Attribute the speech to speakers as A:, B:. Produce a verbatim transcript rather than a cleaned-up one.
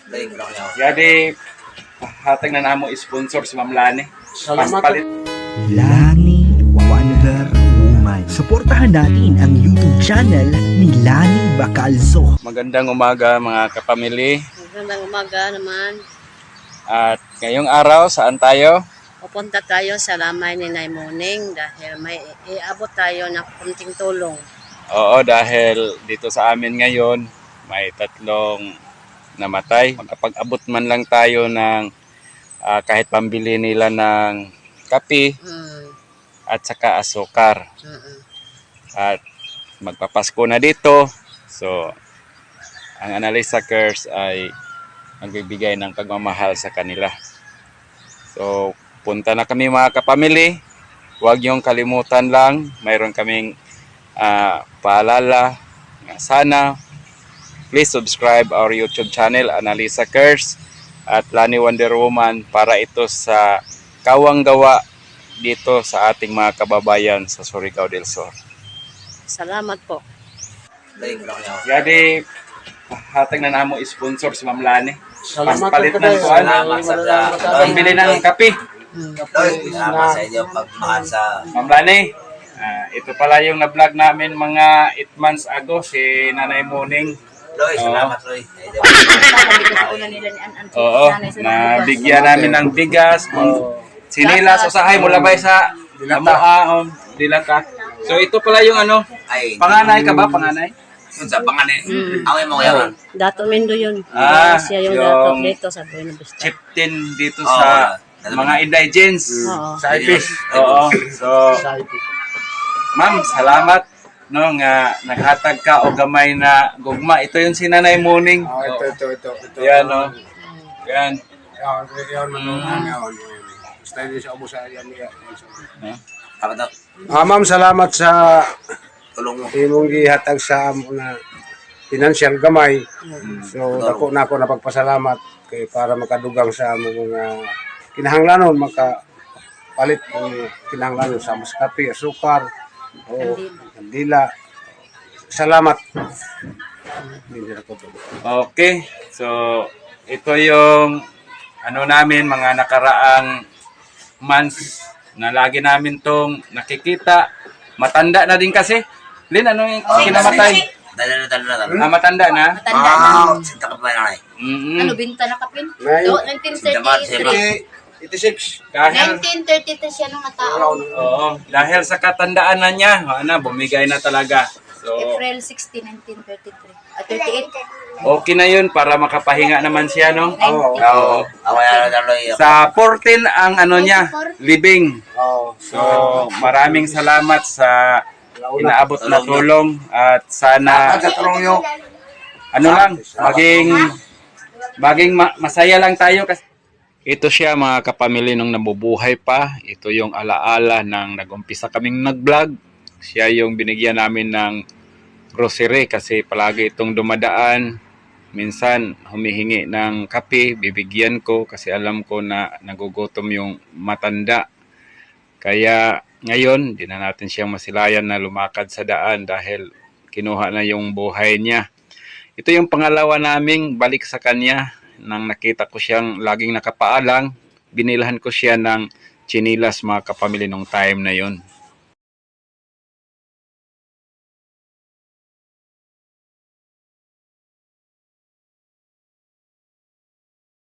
A: Jadi, hatag na namo sponsor si Ma'am Lani. Mas palit.
B: Lani Wonder Woman. Suportahan natin ang YouTube channel ni Lani Bacalzo.
A: Magandang umaga mga kapamilya.
C: Magandang umaga naman.
A: At ngayong araw, saan tayo?
C: Pupunta tayo sa lamay ni Nay Muning dahil may iabot tayo ng kunting tulong.
A: Oo, dahil dito sa amin ngayon, may tatlong namatay. Makapag-abot man lang tayo ng uh, kahit pambili nila ng kape
C: Mm.
A: at saka asukar.
C: Mm-mm.
A: At magpapasko na dito. So, ang Analisa Cares ay magbibigay ng pagmamahal sa kanila. So, punta na kami mga kapamilya. Huwag niyong kalimutan lang. Mayroon kaming uh, paalala. Sana, please subscribe our YouTube channel, Analisa Cares at Lani Wonder Woman, para ito sa kawang gawa dito sa ating mga kababayan sa Surigao del Sur.
C: Salamat po.
A: Jadi, hatag na namo sponsor si Ma'am Lani. Mas
D: Salamat
A: palit
D: ka
A: ng
D: tayo.
A: kuan.
D: Salamat sa
A: Pambili ng kape.
D: Loy,
E: Salamat sa inyo pagmahal sa
A: Ma'am Lani, ah, ito pala yung na-vlog namin mga eight months ago, si Nanay Muning.
E: Loy. Salamat, Loy.
A: Oo, na bigyan namin ng bigas, sinilas, usahay, mulabay sa Lamoa, o Dilata. So ito pala yung ano,
E: Ay,
A: panganay ka ba? Panganay?
E: yun sa panganin.
C: Mm.
E: Away mo ngayon.
C: Dato Mindo yun.
A: Ah,
C: Siya yung,
A: yung
C: dato dito sa Buena Vista.
A: Chieftain dito
E: Oo,
A: sa
E: alam
A: mga
E: mo.
A: indigents.
C: Oo.
D: sa I P.
A: Oo. So,
D: Sa I P.
A: ma'am, salamat no nga naghatag ka o gamay na gugma. Ito yung si Nanay Muning.
D: Oh, ito, ito, ito. ito.
A: Yan, no? Yan.
D: Yan, yan, manungan yan. Basta hindi siya ubos sa yan. yan.
E: Salamat daw.
D: Ah, ma'am, salamat sa
E: Tulong mo.
D: imong gihatag sa amo na financial gamay. So, dako na ako napagpasalamat kay para makadugang sa amo mga kinahanglanon, makapalit ng kinahanglanon sa mas kape, asukar, o kandila. Salamat. Hindi na ko to.
A: Okay. So, ito yung ano namin, mga nakaraang months na lagi namin tong nakikita. Matanda na din kasi. Lin, ano yung kinamatay?
E: Dala na, dala na, dala na.
A: Ah, matanda na?
C: Matanda na.
E: Ah, sinta ka pa na eh.
A: Mm-mm.
C: Ano, binta na kapin?
D: Nay.
C: Do, nineteen thirty-three.
D: eighty-six.
A: Dahil,
C: nineteen thirty-three siya nung natao.
A: oo, dahil sa katandaan na niya, ano, bumigay na talaga. So,
C: April sixteenth, nineteen thirty-three. Ah, thirty-eight.
A: okay na yun para makapahinga naman siya, no?
D: Oo.
A: Oo.
E: Away na, dala, Loy.
A: Sa fourteen ang ano niya, living.
D: Oo.
A: So, maraming salamat sa inaabot na tulong at sana ano lang, maging maging ma- masaya lang tayo kasi ito siya mga kapamilya nung nabubuhay pa. Ito yung alaala ng nag-umpisa kaming nag-vlog. Siya yung binigyan namin ng grocery kasi palagi itong dumadaan. Minsan humihingi ng kape, bibigyan ko kasi alam ko na nagugutom yung matanda. Kaya ngayon, di na natin siyang masilayan na lumakad sa daan dahil kinuha na yung buhay niya. Ito yung pangalawa naming balik sa kanya nang nakita ko siyang laging nakapaalang. Binilahan ko siya ng chinilas mga kapamilya nung time na yon.